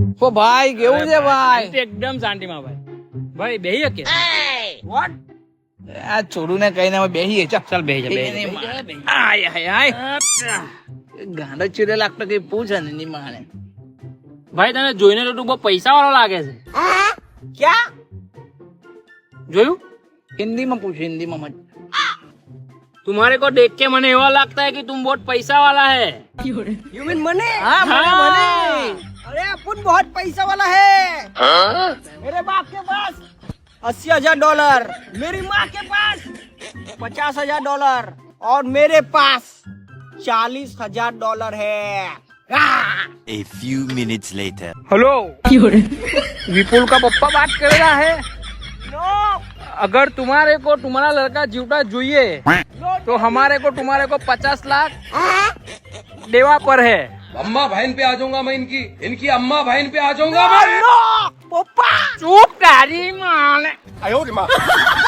ઓ ભાઈ કેવું છે ભાઈ? એકદમ શાંતિમાં ભાઈ બેહી કે વોટ? આ છોડું ને કહીને અમે બેહીએ. ચાલ બેહી જા આય હાય હાય, ગાંડો ચીરે લાગતો કઈ પૂછે ને ની માને. ભાઈ તને જોઈને તો તું બહુ પૈસા વાળો લાગે છે. ક્યાં? જોયું? હિન્દીમાં પૂછ, હિન્દીમાં મત. तुम्हारे को देख के मने ऐसा लगता है कि तुम बहुत पैसा वाला है. You mean money? हाँ मनी. अरे अपन बहुत पैसा वाला है. मेरे बाप के पास $80,000, मेरी माँ के पास $50,000 और मेरे पास $40,000 है. A few minutes later. Hello, Vipul का पप्पा बात कर रहा है. नो, अगर तुम्हारे को तुम्हारा लड़का जीवता જોઈએ तो हमारे को तुम्हारे को 50 लाख देवा पर है. अम्मा बहन पे आ जाऊंगा मैं, इनकी अम्मा बहन पे आ जाऊंगा मैं. नो, पप्पा. चुप तारी माँ. आयो रे माँ.